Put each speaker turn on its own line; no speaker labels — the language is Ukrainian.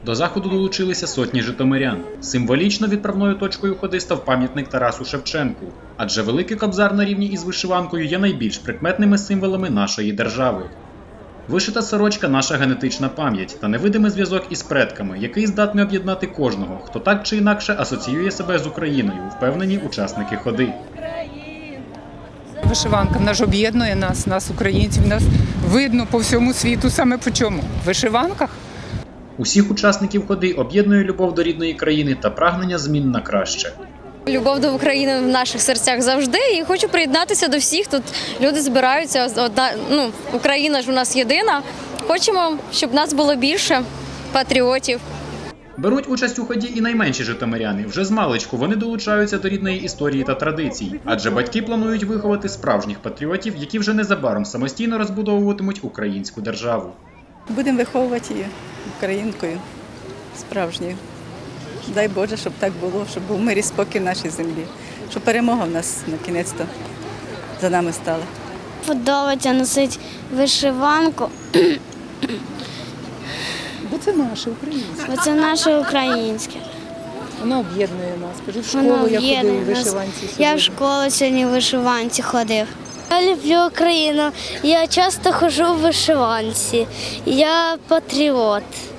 До заходу долучилися сотні житомирян. Символічно відправною точкою ходи став пам'ятник Тарасу Шевченку. Адже Великий Кобзар на рівні із вишиванкою є найбільш прикметними символами нашої держави. Вишита сорочка – наша генетична пам'ять та невидимий зв'язок із предками, який здатний об'єднати кожного, хто так чи інакше асоціює себе з Україною, впевнені учасники ходи.
Вишиванка, вона ж об'єднує нас, українців, нас видно по всьому світу саме по чому? В вишиванках.
Усіх учасників ходи об'єднує любов до рідної країни та прагнення змін на краще.
Любов до України в наших серцях завжди, і хочу приєднатися до всіх. Тут люди збираються, Україна ж у нас єдина. Хочемо, щоб нас було більше патріотів.
Беруть участь у ході і найменші житомиряни. Вже змалечку вони долучаються до рідної історії та традицій. Адже батьки планують виховати справжніх патріотів, які вже незабаром самостійно розбудовуватимуть українську державу.
Будемо виховувати її українкою справжньою. Дай Боже, щоб так було, щоб був мир і спокій в нашій землі. Щоб перемога в нас на кінець-то за нами стала.
Подобається носити вишиванку.
Бо це наше українське.
Бо це наше українське.
Воно об'єднує нас. Кажу, в школу я ходив у вишиванці.
Я в школу сьогодні в вишиванці ходив. Я люблю Україну. Я часто ходжу в вишиванці. Я патріот.